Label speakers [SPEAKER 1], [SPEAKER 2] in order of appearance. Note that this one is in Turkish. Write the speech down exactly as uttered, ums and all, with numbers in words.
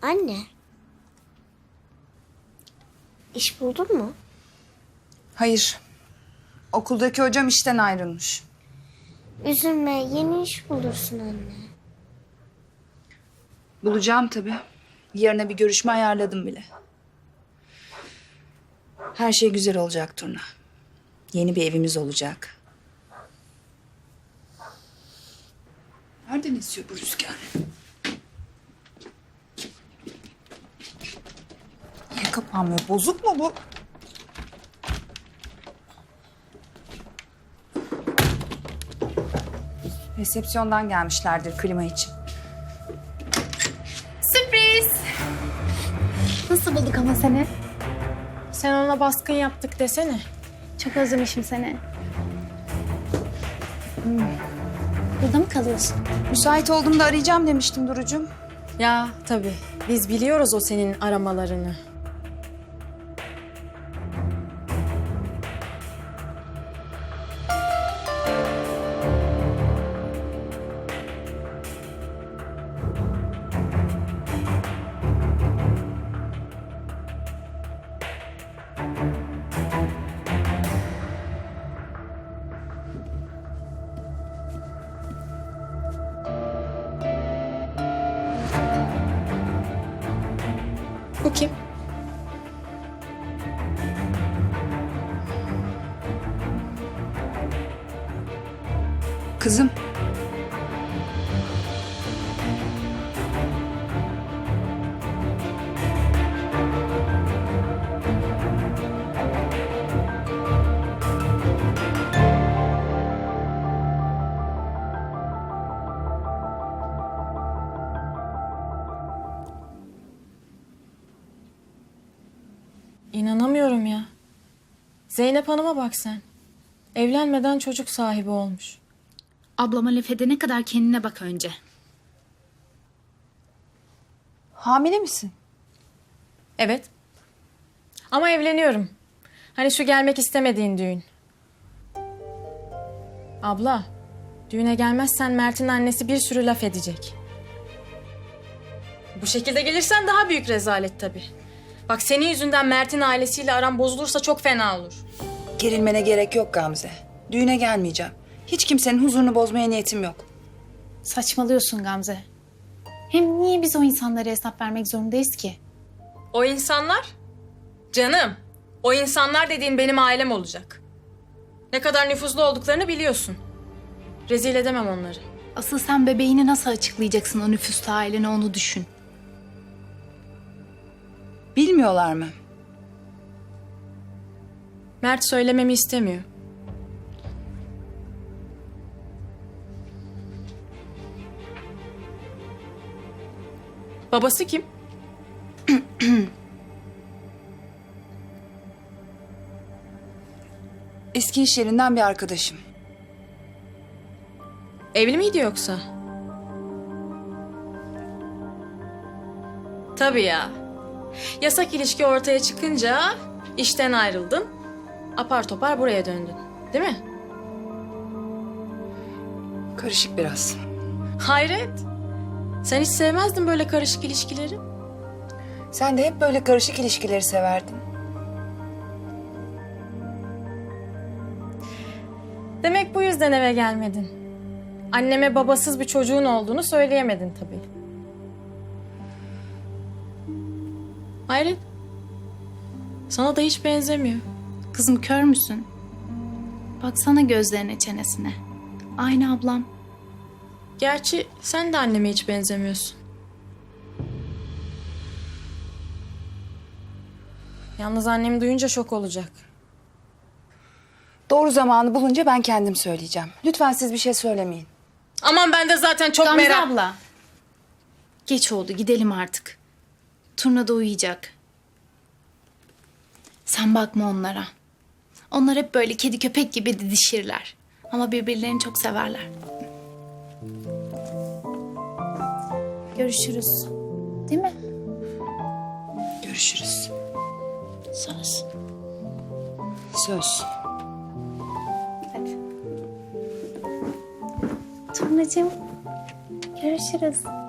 [SPEAKER 1] Anne. İş buldun mu?
[SPEAKER 2] Hayır. Okuldaki hocam işten ayrılmış.
[SPEAKER 1] Üzülme, yeni iş bulursun anne.
[SPEAKER 2] Bulacağım tabii. Yarına bir görüşme ayarladım bile. Her şey güzel olacak Turna. Yeni bir evimiz olacak. Nereden esiyor bu rüzgar? Niye kapanmıyor? Bozuk mu bu? Resepsiyondan gelmişlerdir klima için.
[SPEAKER 3] Sürpriz. Nasıl bulduk ama seni?
[SPEAKER 4] Sen ona baskın yaptık desene.
[SPEAKER 3] Çok özlemişim seni. Hmm. Burada mı kalıyorsun?
[SPEAKER 2] Müsait olduğumda arayacağım demiştim Duru'cum.
[SPEAKER 4] Ya tabii. Biz biliyoruz o senin aramalarını. Bu kim?
[SPEAKER 2] Kızım.
[SPEAKER 4] İnanamıyorum ya. Zeynep Hanım'a bak sen. Evlenmeden çocuk sahibi olmuş.
[SPEAKER 5] Ablama laf edene kadar kendine bak önce.
[SPEAKER 2] Hamile misin?
[SPEAKER 4] Evet. Ama evleniyorum. Hani şu gelmek istemediğin düğün. Abla, düğüne gelmezsen Mert'in annesi bir sürü laf edecek. Bu şekilde gelirsen daha büyük rezalet tabii. Bak senin yüzünden Mert'in ailesiyle aram bozulursa çok fena olur.
[SPEAKER 2] Gerilmene gerek yok Gamze. Düğüne gelmeyeceğim. Hiç kimsenin huzurunu bozmaya niyetim yok.
[SPEAKER 5] Saçmalıyorsun Gamze. Hem niye biz o insanlara hesap vermek zorundayız ki?
[SPEAKER 4] O insanlar? Canım, o insanlar dediğin benim ailem olacak. Ne kadar nüfuzlu olduklarını biliyorsun. Rezil edemem onları.
[SPEAKER 5] Asıl sen bebeğini nasıl açıklayacaksın o nüfuslu ailene, onu düşün.
[SPEAKER 2] Bilmiyorlar mı?
[SPEAKER 4] Mert söylememi istemiyor. Babası kim?
[SPEAKER 2] Eski iş yerinden bir arkadaşım.
[SPEAKER 4] Evli miydi yoksa? Tabii ya. Yasak ilişki ortaya çıkınca işten ayrıldın. Apar topar buraya döndün. Değil mi?
[SPEAKER 2] Karışık biraz.
[SPEAKER 4] Hayret. Sen hiç sevmezdin böyle karışık ilişkileri.
[SPEAKER 2] Sen de hep böyle karışık ilişkileri severdin.
[SPEAKER 4] Demek bu yüzden eve gelmedin. Anneme babasız bir çocuğun olduğunu söyleyemedin tabii. Hayret. Sana da hiç benzemiyor.
[SPEAKER 5] Kızım, kör müsün? Baksana gözlerine, çenesine. Aynı ablam.
[SPEAKER 4] Gerçi sen de anneme hiç benzemiyorsun. Yalnız annem duyunca şok olacak.
[SPEAKER 2] Doğru zamanı bulunca ben kendim söyleyeceğim. Lütfen siz bir şey söylemeyin.
[SPEAKER 4] Aman ben de zaten çok
[SPEAKER 5] Gamze
[SPEAKER 4] merak...
[SPEAKER 5] abla. Geç oldu, gidelim artık. Turna da uyuyacak. Sen bakma onlara. Onlar hep böyle kedi köpek gibi didişirler. Ama birbirlerini çok severler. Görüşürüz. Değil mi?
[SPEAKER 2] Görüşürüz.
[SPEAKER 5] Söz.
[SPEAKER 2] Söz.
[SPEAKER 5] Hadi. Turnacığım, görüşürüz.